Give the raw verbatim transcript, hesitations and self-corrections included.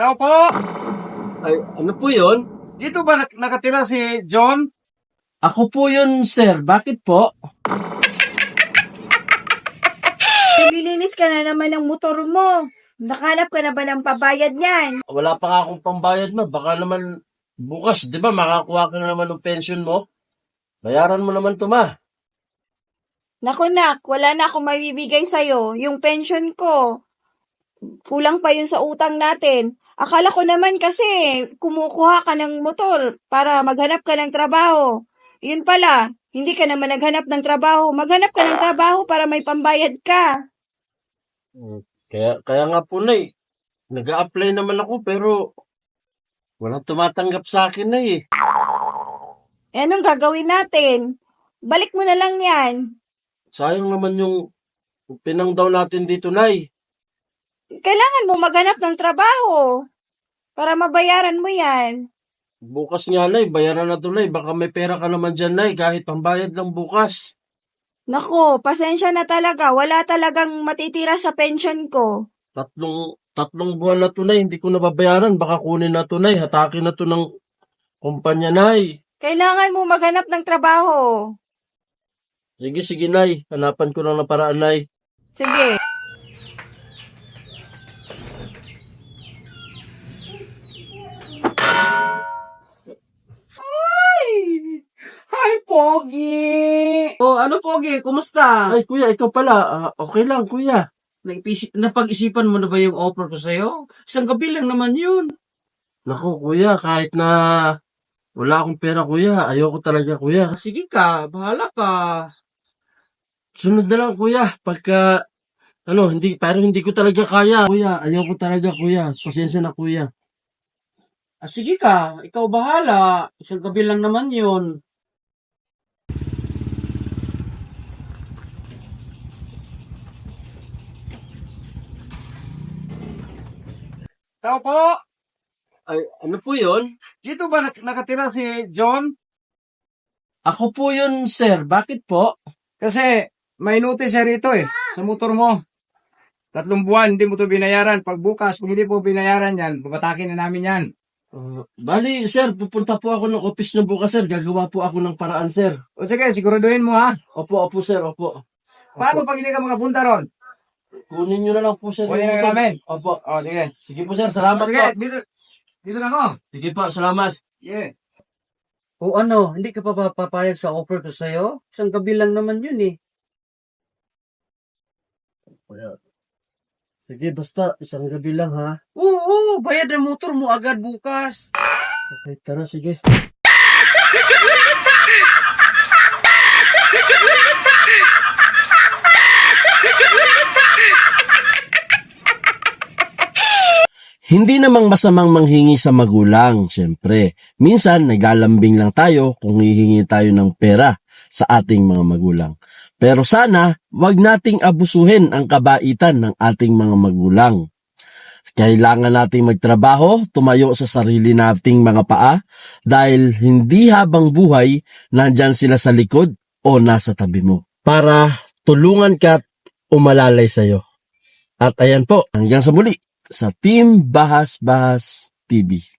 Tao po! Ay, ano po yun? Dito ba nak- nakatira si John? Ako po yun, sir. Bakit po? Naglilinis ka na naman ng motor mo. Nakahanap ka na ba ng pabayad niyan? Wala pa nga akong pambayad, ma. Baka naman bukas, di ba, makakuha ka na naman ng pension mo. Bayaran mo naman to, ma. Naku nak, wala na akong mabibigay sa'yo. Yung pension ko, kulang pa yun sa utang natin. Akala ko naman kasi kumukuha ka ng motor para maghanap ka ng trabaho. Yun pala, hindi ka naman naghanap ng trabaho. Maghanap ka ng trabaho para may pambayad ka. Kaya, kaya nga po, Nay. Nag-a-apply naman ako, pero walang tumatanggap sa akin, Nay, eh. Eh, anong gagawin natin? Balik mo na lang yan. Sayang naman yung pinang daw natin dito, Nay. Kailangan mo maghanap ng trabaho para mabayaran mo yan. Bukas nga, Nay. Bayaran na to, Nay. Baka may pera ka naman dyan, Nay. Kahit pambayad lang bukas. Nako, pasensya na talaga. Wala talagang matitira sa pension ko. Tatlong, tatlong buwan na to, Nay. Hindi ko nababayaran. Baka kunin na to, Nay. Hatakin na to ng kumpanya, Nay. Kailangan mo maghanap ng trabaho. Sige, sige, Nay. Hanapan ko lang ng paraan, Nay. Sige. Hi, Pogi! Oh, ano, Pogi? Kumusta? Ay, kuya, ikaw pala. Ah, okay lang, kuya. Nag-isip, napag-isipan mo na ba yung offer ko sa'yo? Isang gabi lang naman yun. Naku, kuya, kahit na wala akong pera, kuya. Ayoko talaga, kuya. Sige ka, bahala ka. Sunod na lang, kuya. Pagka, ano, hindi, pero hindi ko talaga kaya. Kuya, ayoko talaga, kuya. Pasensya na, kuya. Ah, sige ka, ikaw bahala. Isang gabi lang naman yun. Tao po! Ay, ano po yun? Dito ba nak- nakatira si John? Ako po yun, sir. Bakit po? Kasi may notice siya rito eh, sa motor mo. Tatlong buwan, hindi mo to binayaran. Pag bukas, kung hindi po binayaran yan, babatakin na namin yan. Uh, bali, sir, pupunta po ako ng office ng bukas, sir. Gagawa po ako ng paraan, sir. O sige, siguraduhin mo ha. Opo, opo, sir, opo. Paano pag hindi ka makapunta ron? Kunin nyo na lang po, sir. Kunin yung na motor. namin. Opo. O sige. Sige po, sir. Salamat Sige, po. dito, dito na ako. Sige po, salamat. Yeah. O ano, hindi ka pa ba papayag sa offer ko sa'yo? Isang gabi lang naman yun eh. Sige, basta isang gabi lang, ha? Oo, bayad ang motor mo agad bukas. Okay, tara, sige. Hindi namang masamang manghingi sa magulang, syempre. Minsan, naglalambing lang tayo kung hihingi tayo ng pera sa ating mga magulang. Pero sana, wag nating abusuhin ang kabaitan ng ating mga magulang. Kailangan nating magtrabaho, tumayo sa sarili nating mga paa, dahil hindi habang buhay, nandyan sila sa likod o nasa tabi mo. Para tulungan ka at umalalay sa'yo. At ayan po, hanggang sa muli, sa Team Bahas Bahas T V.